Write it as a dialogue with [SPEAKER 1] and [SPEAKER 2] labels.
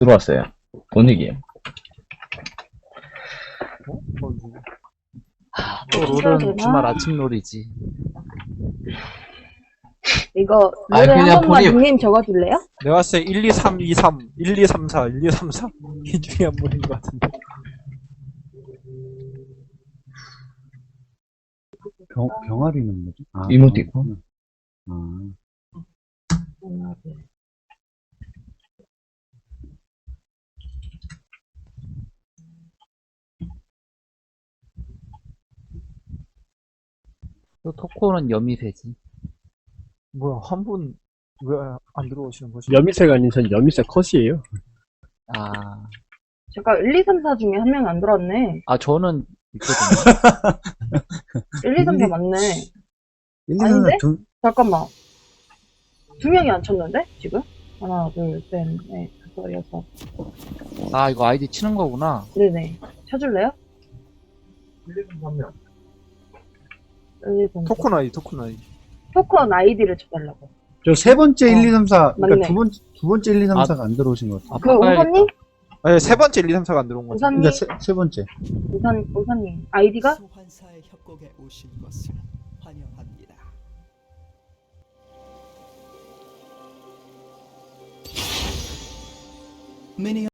[SPEAKER 1] 들어왔어요. 본익이에요.
[SPEAKER 2] 또 롤은 주말 아침 롤이지.
[SPEAKER 3] 이거
[SPEAKER 1] 아니,
[SPEAKER 3] 롤에
[SPEAKER 1] 그냥
[SPEAKER 3] 한 번만
[SPEAKER 1] 본인-
[SPEAKER 3] 닉네임 적어줄래요?
[SPEAKER 4] 내가 봤을 때 1, 2, 3, 2, 3, 1, 2, 3, 4, 1, 2, 3, 4. 이 중에 한 분인 것 같은데.
[SPEAKER 5] 병아리는 뭐지? 아,
[SPEAKER 1] 이모티콘?
[SPEAKER 5] 아,
[SPEAKER 2] 또 토코는 여미새지.
[SPEAKER 4] 뭐야, 한 분 왜 안 들어오시는 거지?
[SPEAKER 6] 여미새가 아닌 전 여미새 컷이에요.
[SPEAKER 2] 아,
[SPEAKER 3] 잠깐 1, 2, 3, 4 중에 한 명 안 들어왔네.
[SPEAKER 2] 아 저는 있거든요.
[SPEAKER 3] 1, 2, 3, 4 맞네.
[SPEAKER 5] 1, 2, 3,
[SPEAKER 3] 아닌데?
[SPEAKER 5] 4,
[SPEAKER 3] 잠깐만. 2명이 안 쳤는데? 지금? 하나, 둘, 셋, 넷, 다섯, 여섯.
[SPEAKER 2] 아 이거 아이디 치는 거구나.
[SPEAKER 3] 네네. 쳐줄래요? 1, 2, 3, 4.
[SPEAKER 4] 토큰 아이, 토큰 아이.
[SPEAKER 3] 토큰 아이디를 쳐달라고.
[SPEAKER 5] 저 세 번째 1, 2, 3, 4, 그러니까
[SPEAKER 3] 맞네.
[SPEAKER 5] 두 번째 1, 2, 3,
[SPEAKER 2] 아.
[SPEAKER 5] 4가 안 들어오신 것 같아요.
[SPEAKER 2] 아,
[SPEAKER 3] 그
[SPEAKER 2] 바꿔야겠다.
[SPEAKER 3] 우선님?
[SPEAKER 4] 아니, 세 번째 1, 2, 3, 4가 안 들어온 거지.
[SPEAKER 3] 우선님?
[SPEAKER 5] 그러니까 세 번째.
[SPEAKER 3] 우선님. 아이디가?
[SPEAKER 7] 소환사의 협곡에 오신 것을 환영합니다. 미니언